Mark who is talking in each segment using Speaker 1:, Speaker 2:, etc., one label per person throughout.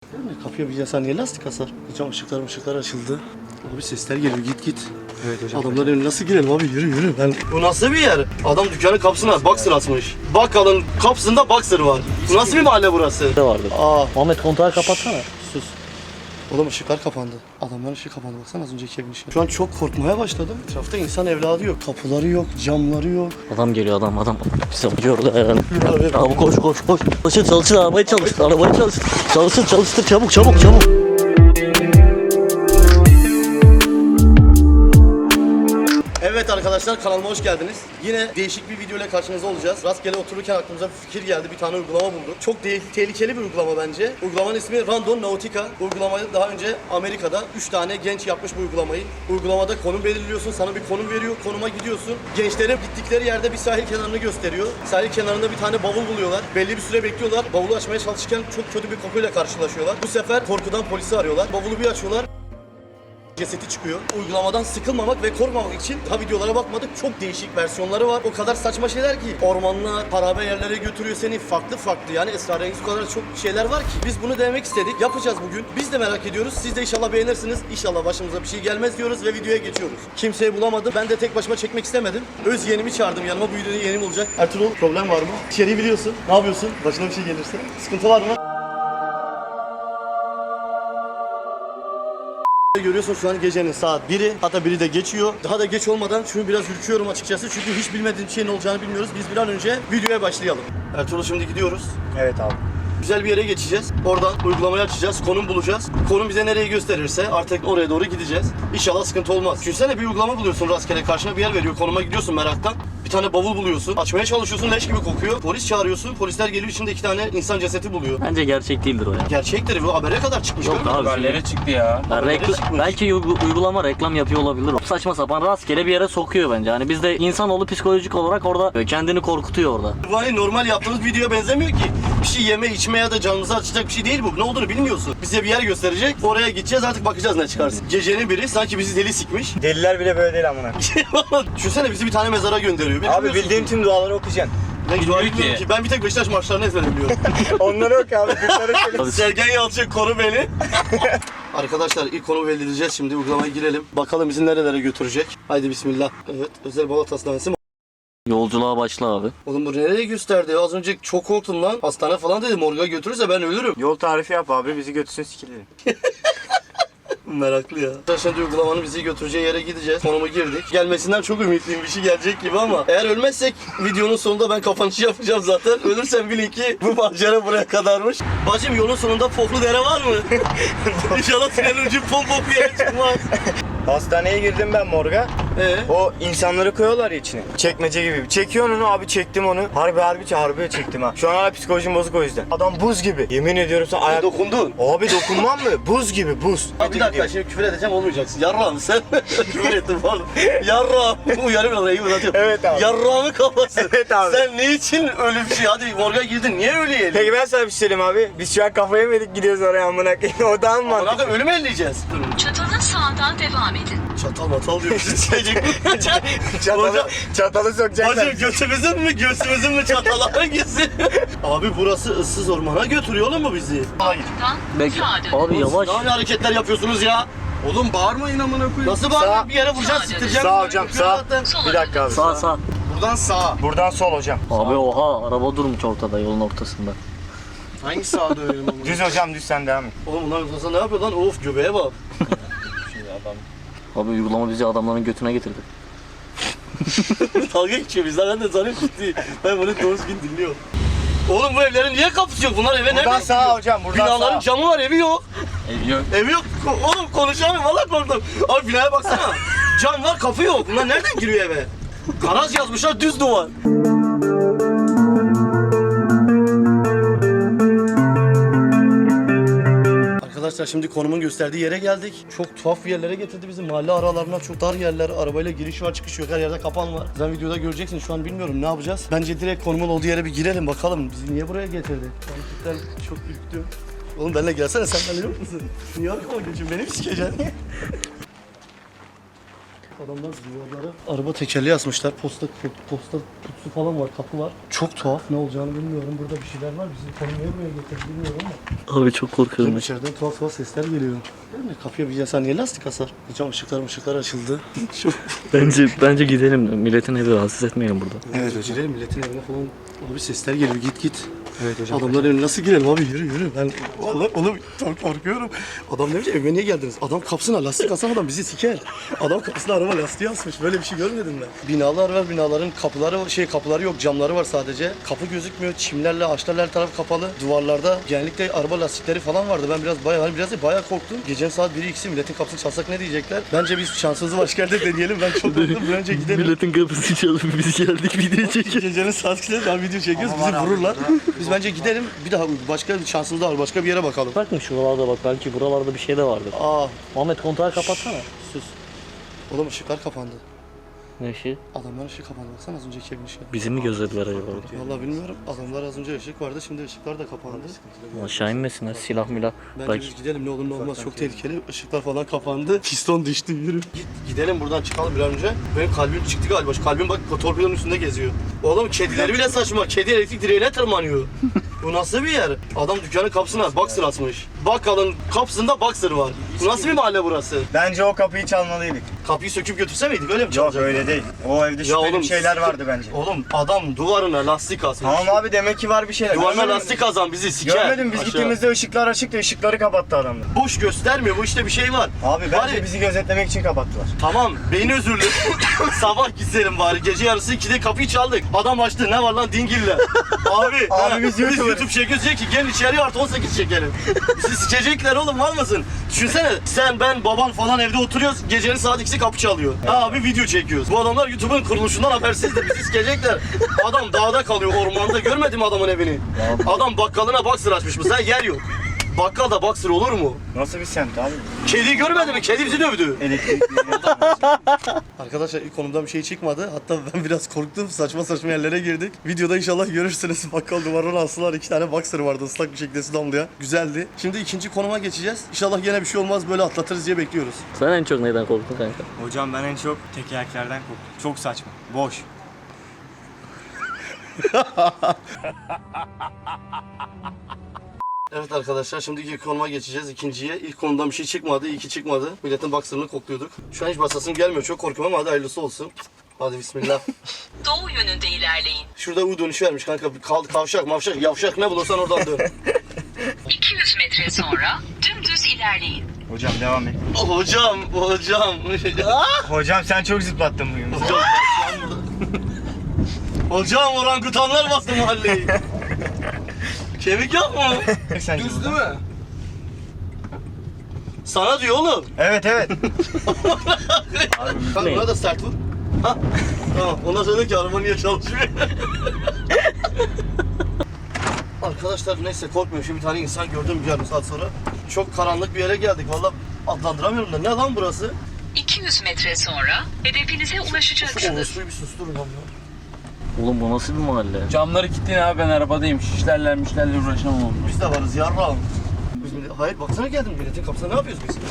Speaker 1: Kapıya bir yasa niye lastik asar? Hocam ışıklar açıldı. Abi sesler geliyor git.
Speaker 2: Evet hocam.
Speaker 1: Adamların önüne nasıl girelim abi yürü. Bu nasıl bir yer? Adam dükkanın kapısına boxer asmış. Bakkalın kapısında boxer var. Bu nasıl bir mahalle burası?
Speaker 3: Ne vardı?
Speaker 1: Aa
Speaker 3: Ahmet kontağı kapatsana.
Speaker 1: sus. Oğlum ışıklar kapandı. Adamların ışığı kapandı. Baksana az önceki evin ışığı. Şu an çok korkmaya başladım. Etrafta insan evladı yok. Kapıları yok, camları yok.
Speaker 3: Adam geliyor adam. Bizi acıyordu yani. Abi koş. Çalışın arabayı çalıştır. Çalıştır çabuk.
Speaker 1: Evet arkadaşlar kanalıma hoş geldiniz. Yine değişik bir video ile karşınızda olacağız. Rastgele otururken aklımıza bir fikir geldi. Bir tane uygulama bulduk. Çok tehlikeli bir uygulama bence. Uygulamanın ismi Random Nautica. Uygulamayı daha önce Amerika'da 3 tane genç yapmış bu uygulamayı. Uygulamada konum belirliyorsun. Sana bir konum veriyor. Konuma gidiyorsun. Gençlerin gittikleri yerde bir sahil kenarını gösteriyor. Sahil kenarında bir tane bavul buluyorlar. Belli bir süre bekliyorlar. Bavulu açmaya çalışırken çok kötü bir kokuyla karşılaşıyorlar. Bu sefer korkudan polisi arıyorlar. Bavulu bir açıyorlar. Cesedi çıkıyor. Uygulamadan sıkılmamak ve korkmamak için daha videolara bakmadık. Çok değişik versiyonları var. O kadar saçma şeyler ki. Ormanlar, harabe yerlere götürüyor seni. Farklı yani esrarengiz o kadar çok şeyler var ki. Biz bunu denemek istedik. Yapacağız bugün. Biz de merak ediyoruz. Siz de inşallah beğenirsiniz. İnşallah başımıza bir şey gelmez diyoruz ve videoya geçiyoruz. Kimseyi bulamadım. Ben de tek başıma çekmek istemedim. Öz yeğenimi çağırdım yanıma. Bu videoda yeğenim olacak. Ertuğrul problem var mı? İçeriği biliyorsun. Ne yapıyorsun? Başına bir şey gelirse. Sıkıntı var mı? Görüyorsun şu an gecenin saat 1'i, hatta 1'i de geçiyor. Daha da geç olmadan şunu biraz ürküyorum açıkçası çünkü hiç bilmediğim şeyin olacağını bilmiyoruz. Biz bir an önce videoya başlayalım. Ertuğrul şimdi gidiyoruz.
Speaker 2: Evet abi.
Speaker 1: Güzel bir yere geçeceğiz. Oradan uygulamayı açacağız, konum bulacağız. Konum bize nereyi gösterirse artık oraya doğru gideceğiz. İnşallah sıkıntı olmaz. Düşünsene bir uygulama buluyorsun rastgele, karşına bir yer veriyor, konuma gidiyorsun meraktan. Bir tane bavul buluyorsun, açmaya çalışıyorsun, leş gibi kokuyor. Polis çağırıyorsun, polisler geliyor, içinde 2 tane insan cesedi buluyor.
Speaker 3: Bence gerçek değildir o ya.
Speaker 1: Gerçektir, bu habere kadar çıkmış.
Speaker 3: Yok abi.
Speaker 4: Haberlere çıktı ya.
Speaker 3: Belki uygulama reklam yapıyor olabilir. Saçma sapan rastgele bir yere sokuyor bence. Hani bizde insanoğlu psikolojik olarak orada kendini korkutuyor orada.
Speaker 1: Bu hani normal yaptığımız videoya benzemiyor ki. Bir şey yeme içme ya da canımızı açacak bir şey değil bu. Ne olduğunu bilmiyorsun. Bize bir yer gösterecek. Oraya gideceğiz artık bakacağız ne çıkarsın. Gecenin biri sanki bizi deli sikmiş.
Speaker 2: Deliler bile böyle değil amına.
Speaker 1: Düşünsene bizi bir tane mezara gönderiyor.
Speaker 2: Abi bildiğim tüm duaları okuyacaksın.
Speaker 1: Ben dua
Speaker 4: Bilmiyor
Speaker 1: etmiyorum
Speaker 4: ki.
Speaker 1: ki. Ben bir tek Beşiktaş maçlarını ezbere biliyorum.
Speaker 2: Onları oku abi.
Speaker 1: Sergen Yalçın konu beni. Arkadaşlar ilk konu belirleyeceğiz şimdi. Uygulamaya girelim. Bakalım bizi nerelere götürecek. Haydi bismillah. Evet. Özel Balat Hastanesi.
Speaker 3: Yolculuğa başla abi.
Speaker 1: Oğlum bu nereye gösterdi? Az önce çok korktum lan. Hastane falan dedi. Morga götürürse ben ölürüm.
Speaker 2: Yol tarifi yap abi, bizi götürsün sikilelim.
Speaker 1: Meraklı ya. Şimdi uygulamanın bizi götüreceği yere gideceğiz. Konumu girdik. Gelmesinden çok ümitliyim. Bir şey gelecek gibi ama eğer ölmezsek videonun sonunda ben kapanışı yapacağım zaten. Ölürsem bilin ki bu macera buraya kadarmış. Bacım yolun sonunda Foklu Dere var mı? İnşallah tünelin ucu pom bir yere çıkmaz.
Speaker 2: Hastaneye girdim ben morga. O insanları koyuyorlar ya içine. Çekmece gibi. Çekiyorsun onu abi, çektim onu. Harbi çektim ha. Şu an hala psikolojim bozuk o yüzden. Adam buz gibi. Yemin ediyorum sana ayak...
Speaker 1: Dokundun.
Speaker 2: Abi dokunmam mı? Buz gibi buz.
Speaker 1: Abi bir dakika şimdi küfür edeceğim olmayacaksın. Yarrağım sen. Küfür ettin pardon. Yarrağım. Uyarım orayı uzatıyorum.
Speaker 2: Evet abi.
Speaker 1: Yarrağımı kafası.
Speaker 2: Evet abi.
Speaker 1: Sen niçin öyle bir şey? Hadi morga girdin. Niye öyle yiyelim?
Speaker 2: Peki ben sana bir şey söyleyeyim abi. Biz şu an kafayı yemedik, gidiyoruz oraya amına koyayım. O daha mı mantıklı?
Speaker 1: Bırakın ölüm elleyeceğiz.
Speaker 5: Çatalın sağından devam edin.
Speaker 1: Çatal matal diyor.
Speaker 2: Çatalı sokacaklar.
Speaker 1: Bacım göğsümüzün mü çatalı hangisi? Abi burası ıssız ormana götürüyor oğlum mu bizi? Hayır.
Speaker 3: Belki
Speaker 5: Sağa dön.
Speaker 3: abi yavaş.
Speaker 1: Ne hareketler yapıyorsunuz ya?
Speaker 4: Oğlum bağırmayın amına koyayım.
Speaker 1: Nasıl bağırıyor?
Speaker 2: Sağ.
Speaker 1: Bir yere vuracağız, siktireceğim.
Speaker 2: Sağ hocam, sağ.
Speaker 1: Zaten.
Speaker 2: Bir dakika abi.
Speaker 3: Sağ.
Speaker 4: Buradan sağa.
Speaker 2: Buradan sol hocam.
Speaker 3: Abi oha araba durmuş ortada yolun ortasında.
Speaker 4: Hangi sağa dönelim amına?
Speaker 2: Düz hocam, düz, sen devam et.
Speaker 1: Oğlum bunlar ne yapıyor lan? Of göbeğe bak.
Speaker 3: Abi uygulama bizi adamların götüne getirdi.
Speaker 1: Dalga geçiyor bizler. Ben de sanıyorum ciddi. Ben bunu doğru gün dinliyorum. Oğlum bu evlerin niye kapısı yok? Bunlar eve nereden
Speaker 2: Buradan sağ
Speaker 1: gidiyor?
Speaker 2: hocam, buradan
Speaker 1: Binaların
Speaker 2: sağ.
Speaker 1: camı var, evi yok.
Speaker 4: Ev yok.
Speaker 1: Evi yok. Oğlum konuşamıyorum. Valla korktum. Abi binaya baksana. Cam var, kapı yok. Bunlar nereden giriyor eve? Garaj yazmışlar, düz duvar. Arkadaşlar şimdi konumun gösterdiği yere geldik. Çok tuhaf bir yerlere getirdi bizi. Mahalle aralarına çok dar yerler. Arabayla giriş var, çıkış yok. Her yerde kapan var. Sen videoda göreceksin. Şu an bilmiyorum ne yapacağız. Bence direkt konumun olduğu yere bir girelim bakalım. Bizi niye buraya getirdi? Ben çok ürktüm. Oğlum benimle gelsene, sen benimle yok musun? Niye arkama geçiyorsun? Beni mi sikeceksin? Adamlar duvarlara araba tekerleği asmışlar. Posta kutusu falan var, kapı var. Çok tuhaf, ne olacağını bilmiyorum. Burada bir şeyler var. Bizi tanımaya buraya getirdi bilmiyorum ama.
Speaker 3: Abi çok korkuyorum.
Speaker 1: İçeriden tuhaf sesler geliyor. Değil mi? Kapıya bir insan niye lastik asar? Hocam ışıklar açıldı.
Speaker 3: Bence gidelim. Milletin evi rahatsız etmeyelim burada.
Speaker 1: Evet hocam. Gidelim milletin evine falan. Abi sesler geliyor, git. Evet hocam. Adamların evine nasıl girelim abi, yürü. Ben oğlum çok korkuyorum. Adam demiş evime niye geldiniz? Adam kapısına lastik asan adam bizi siker. Adam kapısına araba lastiği asmış. Böyle bir şey görmedim ben. Binalar var, binaların kapıları yok, camları var sadece. Kapı gözükmüyor. Çimlerle, ağaçlarla her taraf kapalı. Duvarlarda genellikle araba lastikleri falan vardı. Ben biraz bayağı korktum. Gecenin saat 1'i 2'si milletin kapısını çalsak ne diyecekler? Bence biz şansımızı başka yerde deneyelim. Ben çok korktum. Bir önce gidelim.
Speaker 3: Milletin kapısını çalıp biz geldik video çekiyoruz.
Speaker 1: Gecenin saat 2'de daha video çekiyoruz. Bizi vururlar. Biz bence gidelim. Bir daha başka bir şansımız daha var. Başka bir yere bakalım.
Speaker 3: Bak mı şuralarda bak, belki buralarda bir şey de vardır.
Speaker 1: Aa,
Speaker 3: Muhammed kontağı kapatsana.
Speaker 1: sus. Oğlum ışıklar kapandı.
Speaker 3: Ne işi?
Speaker 1: Adamlar ışık kapandı. Baksana az önceki evin ışığı.
Speaker 3: Bizi mi gözlediler acaba?
Speaker 1: Vallahi bilmiyorum. Adamlar az önce ışık vardı. Şimdi ışıklar da kapandı.
Speaker 3: Aşağı inmesinler, silah milah.
Speaker 1: Bence
Speaker 3: Belki
Speaker 1: biz gidelim, ne olur ne olmaz. Çok tehlikeli. Işıklar falan kapandı. Piston düştü. Yürü. Gidelim buradan, çıkalım bir an önce. Benim kalbim çıktı galiba. Şu kalbim bak torpidonun üstünde geziyor. Oğlum kedileri bile saçma. Kedi elektrik direğine tırmanıyor. Bu nasıl bir yer? Adam dükkanın kapısına boxer asmış. Bakkalın kapısında boxer var. Bu nasıl bir mahalle burası?
Speaker 2: Bence o kapıyı çalmalıydık.
Speaker 1: Kapıyı söküp götürse miydik? Öyle mi
Speaker 2: Yok
Speaker 1: çalacaktık?
Speaker 2: öyle değil. O evde şüpheli şeyler vardı bence.
Speaker 1: Oğlum adam duvarına lastik asmış.
Speaker 2: Tamam abi, demek ki var bir şeyler.
Speaker 1: Duvarına
Speaker 2: Görmedin mi?
Speaker 1: lastik azan bizi siker.
Speaker 2: Görmedim, biz
Speaker 1: Aşağı.
Speaker 2: gittiğimizde ışıklar açıktı, ışıkları kapattı adamlar.
Speaker 1: Boş göstermiyor, bu işte bir şey var.
Speaker 2: Abi bence
Speaker 1: Bari-
Speaker 2: bizi gözetlemek için kapattılar.
Speaker 1: Tamam, beyni özürlü. Sabah gitselim bari, gece yarısı 2'de kapıyı çaldık. Adam açtı, ne var lan dingille. Abi
Speaker 2: biz
Speaker 1: biz
Speaker 2: YouTuber'ız.
Speaker 1: YouTube çekiyoruz, diyor ki gel içeriye artı 18 çekelim. Bizi sikecekler oğlum, var mısın? Düşünsene, sen, ben, baban falan evde oturuyoruz, gecenin saat 2'si kapı çalıyor. Abi video çekiyoruz. Bu adamlar YouTube'un kuruluşundan habersizdir, bizi sikecekler. Adam dağda kalıyor, ormanda, görmedim adamın evini. Adam bakkalına boxer açmış mı? Sen yer yok. Bakkalda boxer olur mu?
Speaker 2: Nasıl bir semt abi?
Speaker 1: Kediyi görmedin mi? Kedi bizi dövdü.
Speaker 2: Elektrikli.
Speaker 1: Arkadaşlar ilk konumdan bir şey çıkmadı. Hatta ben biraz korktum. Saçma yerlere girdik. Videoda inşallah görürsünüz. Bakkal duvarına astılar. 2 tane boxer vardı ıslak bir şekilde su damlayan. Güzeldi. Şimdi ikinci konuma geçeceğiz. İnşallah yine bir şey olmaz. Böyle atlatırız diye bekliyoruz.
Speaker 3: sen en çok neyden korktun kanka?
Speaker 2: Hocam ben en çok tekerleklerden korktum. Çok saçma. Boş.
Speaker 1: Evet arkadaşlar şimdi ilk konuma geçeceğiz. İkinciye. İlk konumdan bir şey çıkmadı. İyi ki çıkmadı. Milletin boxer'ını kokluyorduk. Şu an hiç basasım gelmiyor. Çok korkuyorum ama hadi hayırlısı olsun. Hadi bismillah.
Speaker 5: Doğu yönünde ilerleyin.
Speaker 1: Şurada U dönüşü vermiş kanka. Kavşak, mavşak, yavşak ne bulursan oradan dön.
Speaker 5: 200 metre sonra dümdüz ilerleyin.
Speaker 2: Hocam devam et.
Speaker 1: Hocam.
Speaker 2: Hocam sen çok zıplattın bugün.
Speaker 1: Hocam orangutanlar bastı mahalleyi. Kemik yok mu?
Speaker 2: Sen
Speaker 4: Düz değil mi?
Speaker 1: Sana diyor oğlum.
Speaker 2: Evet.
Speaker 1: Kanka buna da sert vur. Ha? Tamam. Ondan sonra ki araba niye çalışmıyor? Arkadaşlar neyse korkmuyorum. Şimdi bir tane insan gördüm yarım saat sonra. Çok karanlık bir yere geldik. Vallahi adlandıramıyorum da. Ne lan burası?
Speaker 5: 200 metre sonra hedefinize ulaşacaksınız.
Speaker 1: Orospuyu bir susturun lan ya.
Speaker 3: Oğlum bu nasıl bir mahalle?
Speaker 6: Camları kilitleyin abi, ben arabadayım. Şişlerle uğraşamam onunla.
Speaker 1: Biz de varız yarrağım. Hayır baksana geldim milletin kapısına, ne yapıyoruz biz?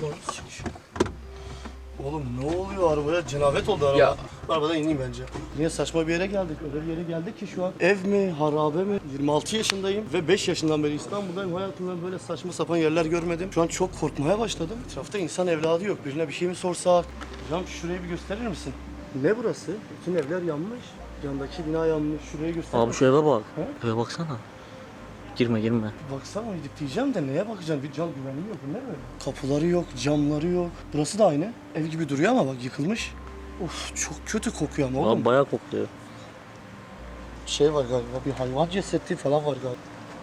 Speaker 1: Oğlum ne oluyor arabaya? Cenabet oldu araba.
Speaker 6: Ya.
Speaker 1: Arabadan ineyim bence. Yine saçma bir yere geldik. Öyle bir yere geldik ki şu an. Ev mi, harabe mi? 26 yaşındayım ve 5 yaşından beri İstanbul'dayım. Hayatımda böyle saçma sapan yerler görmedim. Şu an çok korkmaya başladım. Etrafta insan evladı yok. Birine bir şey mi sorsak? Hocam şurayı bir gösterir misin? Ne burası? Bütün evler yanmış. Yandaki bina yanmış. Şurayı göster.
Speaker 3: Abi şu eve bak.
Speaker 1: He?
Speaker 3: Eve baksana. Girme.
Speaker 1: Baksana gidip diyeceğim de neye bakacaksın? Bir can güvenliği yok. Bu ne böyle? Kapıları yok, camları yok. Burası da aynı. Ev gibi duruyor ama bak yıkılmış. Of çok kötü kokuyor ama oğlum.
Speaker 3: Abi bayağı kokluyor.
Speaker 1: Şey var galiba, bir hayvan cesedi falan var galiba.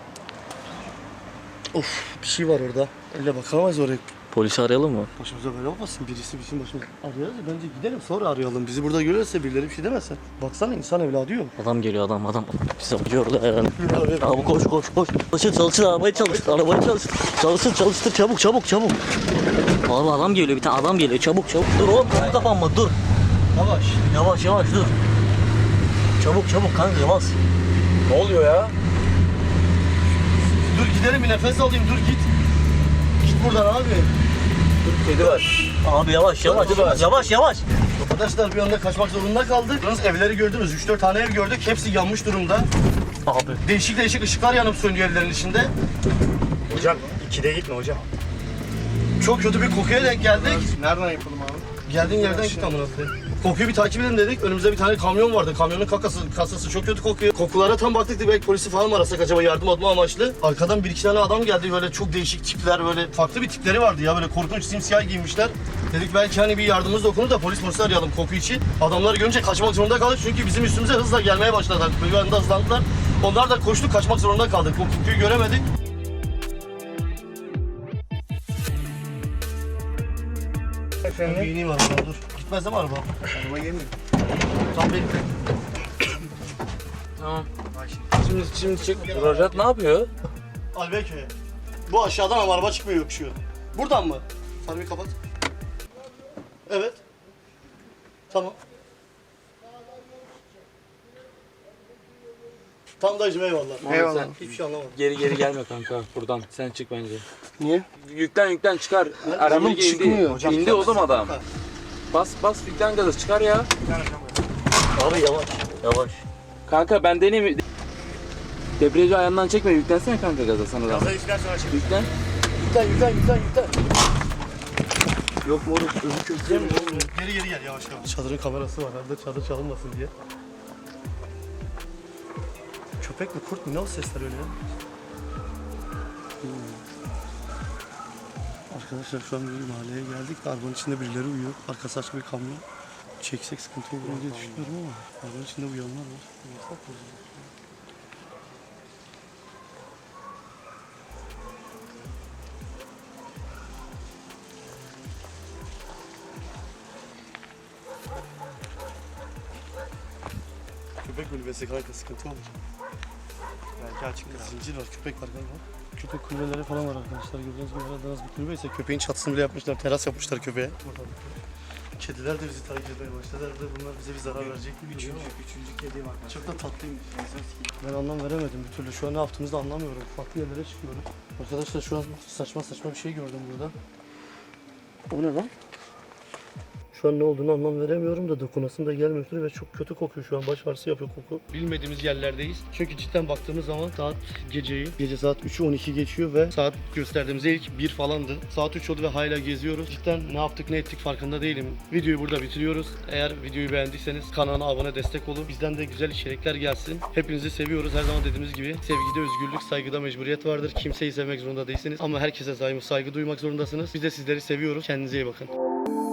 Speaker 1: Of bir şey var orada. Öyle bakamayız oraya.
Speaker 3: Polisi arayalım mı?
Speaker 1: Başımıza böyle olmasın, birisi bizim başımıza. Arayalım bence gidelim sonra arayalım. Bizi burada görürse birileri bir şey demesin. Baksana insan evladı yok.
Speaker 3: Adam geliyor adam. Bizi arıyorlar yani. Abi koş. Çalıştır arabayı çalıştır. Çalıştır çabuk. Abi adam geliyor, bir tane adam geliyor, çabuk. Dur oğlum, kapı kapanma, dur. Yavaş dur. Çabuk kanka, yavaş.
Speaker 6: Ne oluyor ya?
Speaker 1: Dur gidelim bir nefes alayım, dur git. Git buradan abi.
Speaker 2: Kedi var.
Speaker 3: Abi yavaş yavaş. Yavaş yavaş.
Speaker 1: Arkadaşlar bir anda kaçmak zorunda kaldık. Yalnız evleri gördünüz. 3-4 tane ev gördük. Hepsi yanmış durumda.
Speaker 3: Abi.
Speaker 1: Değişik değişik ışıklar yanıp sönüyor evlerin içinde.
Speaker 2: Hocam 2'de gitme hocam.
Speaker 1: Çok kötü bir kokuya denk geldik.
Speaker 4: Nereden yapalım abi?
Speaker 1: Geldiğin yerden git amına koyayım. Kokuyu bir takip edin dedik. Önümüzde bir tane kamyon vardı. Kamyonun kasası çok kötü kokuyor. Kokulara tam baktık dedik, belki polisi falan mı arasak acaba yardım atma amaçlı. Arkadan bir iki tane adam geldi, böyle çok değişik tipler, böyle farklı bir tipleri vardı ya, böyle korkunç simsiyah giymişler. Dedik belki hani bir yardımımız dokunur da polis arayalım koku için. Adamları görünce kaçmak zorunda kaldık çünkü bizim üstümüze hızla gelmeye başladılar. Bir anda hızlandılar. Onlar da koştu, kaçmak zorunda kaldık. O kokuyu göremedik.
Speaker 2: Efendim?
Speaker 1: Bir ineyim araba, dur. Gitmez değil mi araba?
Speaker 4: Araba yemiyor.
Speaker 1: Tam benim.
Speaker 6: Tamam. Şimdi çık. Rojat ne yapıyor?
Speaker 1: Albeköy'e. Bu aşağıdan ama araba çıkmıyor, yokuşuyor. Buradan mı? Sarıyı kapat. Evet. Tamam. Tam dayıcım eyvallah.
Speaker 4: Eyvallah.
Speaker 6: Sen
Speaker 1: Hiçbir şey anlamadım.
Speaker 6: geri gelme kanka buradan. Sen çık bence.
Speaker 4: Niye?
Speaker 6: Yüklen çıkar. Araba
Speaker 4: çıkmıyor.
Speaker 6: indi. İndi oğlum adam. Bas yüklen gazı çıkar ya.
Speaker 3: Abi yavaş. Yavaş.
Speaker 6: Kanka ben deneyim. Debriyajı ayağından çekme, yüklensene kanka gaza sana da.
Speaker 2: Gaza üstten sonra çık.
Speaker 6: Yüklen.
Speaker 1: Yüklen.
Speaker 6: Yok moruk, öbür köprüye mi?
Speaker 1: Geri gel yavaş. Çadırın kamerası var. Arada çadır çalınmasın diye. Köpek mi, kurt mu? Ne o sesler öyle ya? Arkadaşlar şu an bir mahalleye geldik. Arabanın içinde birileri uyuyor. Arkası açık bir kamyon. Çeksek sıkıntı olur diye düşünüyorum ama arabanın içinde uyanlar var. Yasak mı? Köpek kulübesi kanka, sıkıntı olur. Belki açık zincir var, köpek var galiba. Köpek kulübeleri falan var arkadaşlar. Gördüğünüz gibi aradığınız bir kulübe ise köpeğin çatısını bile yapmışlar, teras yapmışlar köpeğe. Kediler de bizi takip etmeye başladı. Herhalde bunlar bize bir zarar verecek gibi duruyor ama.
Speaker 4: Üçüncü kedi var.
Speaker 1: Çok da tatlıymış. Ben anlam veremedim bir türlü. Şu an ne yaptığımızı da anlamıyorum. Farklı yerlere çıkıyorum. Arkadaşlar şu an saçma bir şey gördüm burada. O ne lan? Şu an ne olduğunu anlam veremiyorum da dokunasım da gelmiyor ve çok kötü kokuyor şu an. Baş ağrısı yapıyor koku. Bilmediğimiz yerlerdeyiz. Çünkü cidden baktığımız zaman saat gece saat 3'ü 12 geçiyor ve saat gösterdiğimizde ilk 1 falandı. Saat 3 oldu ve hala geziyoruz. Cidden ne yaptık ne ettik farkında değilim. Videoyu burada bitiriyoruz. Eğer videoyu beğendiyseniz kanala abone, destek olun. Bizden de güzel içerikler gelsin. Hepinizi seviyoruz. Her zaman dediğimiz gibi sevgide özgürlük, saygıda mecburiyet vardır. Kimseyi sevmek zorunda değilsiniz ama herkese saygı duymak zorundasınız. Biz de sizleri seviyoruz. Kendinize iyi bakın.